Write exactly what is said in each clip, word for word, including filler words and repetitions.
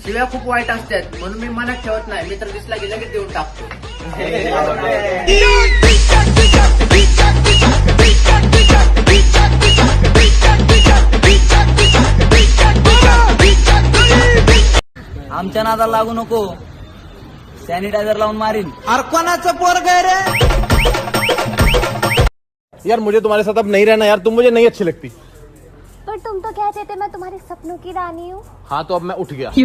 शिव्या खूप वाईट असतात म्हणून मी मनात ठेवत नाही. मित्र दिसला गेला की देऊन टाकतो. आमच्या नादाला लागू नको, सॅनिटायझर लावून मारीन. कोणाचं पोरग रे? यार मुझे तुम्हारे साथ अब नहीं रहना यार, तुम मुझे नहीं अच्छी लगती. पर तुम तो कहते थे मैं तुम्हारे सपनों की रानी हूँ. हाँ तो अब मैं उठ गया.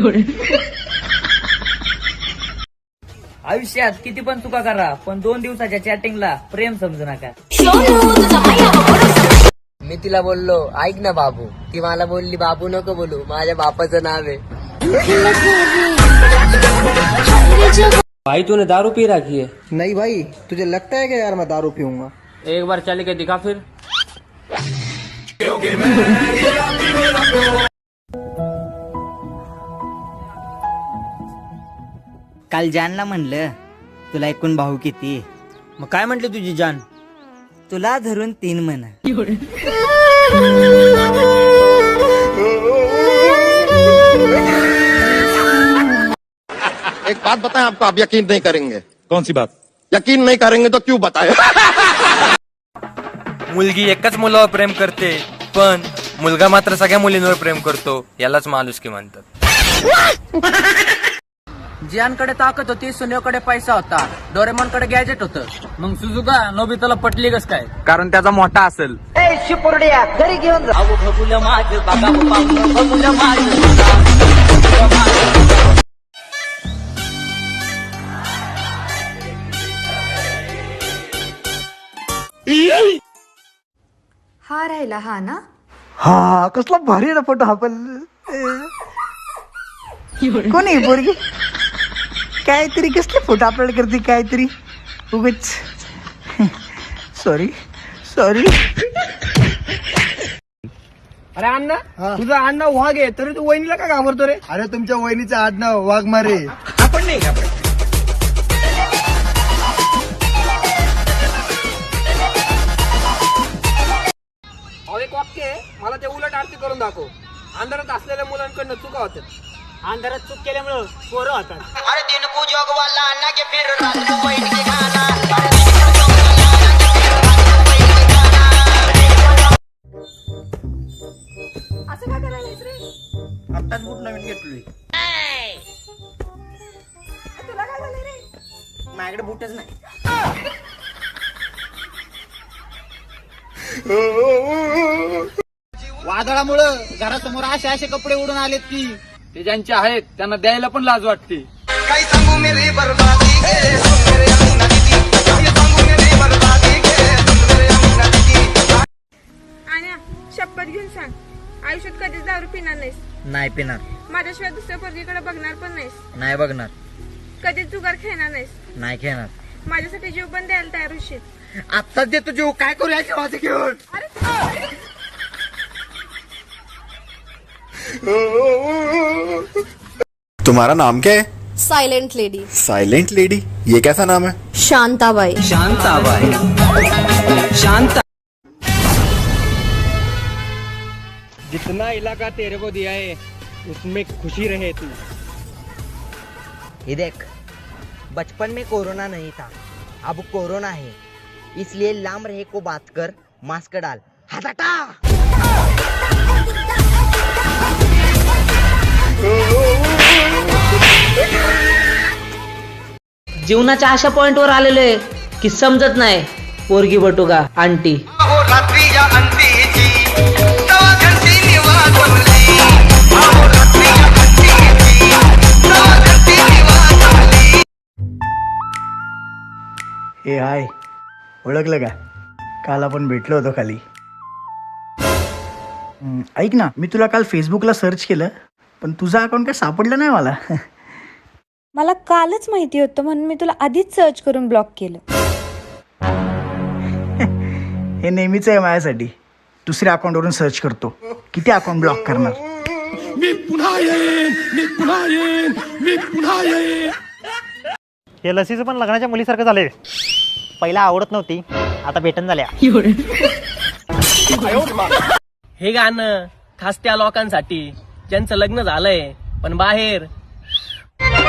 आयुष्यात किती पण चुका करा, पण दोन दिवसाच्या चॅटिंगला प्रेम समजू नका. मी तिला बोललो ऐक ना बाबू, ती मला बोलली बाबू नको बोलू, माझ्या बापाचं नाव आहे. भाई तूने दारू पी रखी है? नहीं भाई, तुझे लगता है कि यार मैं दारू पीऊंगा? एक बार चल के दिखा फिर. काल जानला म्हणलं तुला एकूण भाऊ किती? मग काय म्हंटले तुझी जान? तुला धरून तीन म्हण. एक बात बताएं, आपको आप यकीन नहीं करेंगे. कौन सी बात? यकीन नहीं करेंगे तो क्यों बताएं. मुलगी एकच मुलावर प्रेम करते, पण मुलगा मात्र सगळ्या मुलींवर प्रेम करतो. यालाच माणुसकी म्हणतात. जियानकडे ताकद होती, सुनेकडे पैसा होता, डोरेमॉनकडे गॅजेट होतं. मग सुजुका नोबिताला पटली कस काय? कारण त्याचा मोठा असेल. घरी घेऊन जा. हा राहिला हा ना. हा कसला भारी ना फोटो. हा पण कोणी पोरगी काहीतरी कसले फोटो अपलोड करते काहीतरी उगच. Sorry sorry. अरे अण्णा, तुझं आडनाव वाघ आहे तरी तू वहिनीला का घाबरतो रे? अरे तुमच्या वहिनीचं आडनाव वाघमारे. आपण नाही घाबरत. एक वाक्य आहे, मला ते उलट आरती करून दाखव. अंधारात असलेल्या मुलांकडनं चुका होतात. अंधारात चूक केल्यामुळं पोरं होतात. अरे दिन को जोग वाला ना के फिर रात को बैठ के गाना. असं काय करायलास रे? आत्ताच बूट नवीन घेतलोय. तुला काय झालं रे? माझ्याकडे बूटच नाही. वादळामुळं घरासमोर असे असे कपडे उडून आलेत की ते ज्यांचे आहेत त्यांना द्यायला पण लाज वाटते. काय सांगू मेरी बर्बादी गे, मेरे अमीना दीदी. काय सांगू मेरी बर्बादी गे, मेरे अमीना दीदी. आणि शपथ घेऊन सांग, आयुष्यात कधीच दारू पिणार नाहीस? नाही पिणार. माझ्याशिवाय दुसऱ्या पोरगीकडे बघणार पण नाहीस? नाही बघणार. कधीच जुगार खेळणार नाहीस? नाही खेळणार. माझ्यासाठी जीव पण द्यायला तयार होशील? आत्ताच देतो जीव, काय करूया जेवाचं घेऊन. तुम्हारा नाम क्या है? Silent lady. साइलेंट लेडी, ये कैसा नाम है? शांताबाई. शांताबाई. शांता. जितना इलाका तेरे को दिया है उसमें खुशी रहे तू. ये देख, बचपन में कोरोना नहीं था, अब कोरोना है, इसलिए लांब रहे को बात कर, मास्क डाल, हाथ हटा. जीवनाच्या अशा पॉइंटवर आलेले की समजत नाही पोरगी बटुगा आंटी. हे हाय, ओळखलं का? काल आपण भेटलो होतो खाली. हम्म, ऐक ना, मी तुला काल फेसबुकला सर्च केलं पण तुझा अकाउंट काय सापडलं नाही मला. मला कालच माहिती होतं म्हणून मी तुला आधीच सर्च करून ब्लॉक केलं. हे नेहमीच आहे माझ्यासाठी. दुसऱ्या अकाउंटवरून सर्च करतो, किती अकाउंट ब्लॉक करणार. मी पुन्हा येईन, मी पुन्हा येईन, मी पुन्हा येईन. हे लसीचं पण लग्नाच्या मुलीसारखं झालंय. पहिला आवडत नव्हती, आता भेटन झाल्या. हे गाणं खास त्या लोकांसाठी ज्यांचं लग्न झालंय पण बाहेर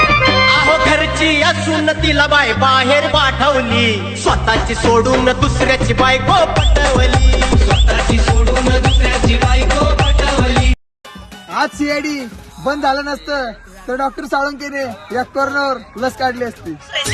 अहो घरची असून तिला बाय बाहेर पाठवली, स्वतःची सोडून दुसऱ्याची बायको पटवली, स्वतःची सोडून दुसऱ्याची बायको पटवली. आज सीआयडी बंद झालं नसतं तर डॉक्टर साळुंकेने या कोरोनावर लस काढली असती.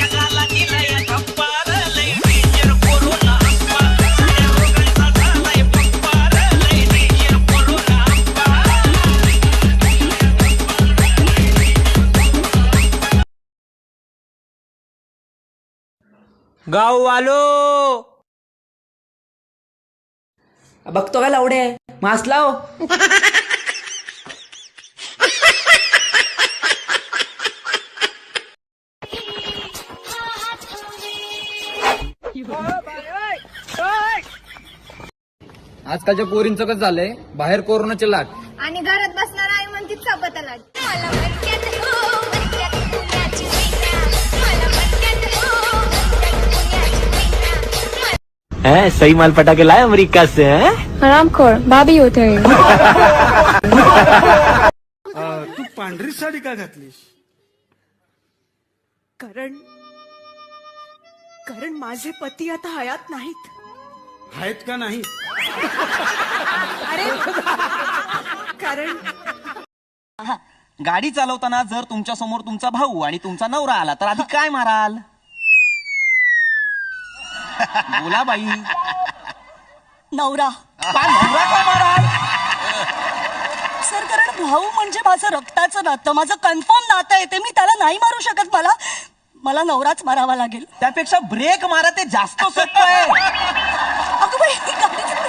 गाववालो बघतो का लावडे मास्क लाव. आजकालच्या पोरींचं कसं झालंय, बाहेर कोरोनाची लाट आणि घरात बसणार आई म्हणते चपत लाट. मला मणक्यात हो, मणक्यात पुण्याची मैना. मला मणक्यात हो, मणक्यात पुण्याची मैना. सही माल पटाके लाए अमेरिका से. हरामखोर भाभी होते तू पांढरी साडी का घातलीस? कारण कारण माझे पती आता हयात नाहीत. आहेत का नाही? अरे कारण गाडी चालवताना जर तुमच्या समोर तुमचा भाऊ आणि तुमचा नवरा आला तर आधी काय माराल? बोला बाई. नवरा. नवरा का माराल? सर कारण भाऊ म्हणजे माझं रक्ताचं नातं, माझं कन्फर्म नातं आहे ते. मी त्याला नाही मारू शकत. मला मला नवराच मारावा लागेल. त्यापेक्षा ब्रेक मारा, ते जास्त सोपं आहे. अगं बाई, ही गाडी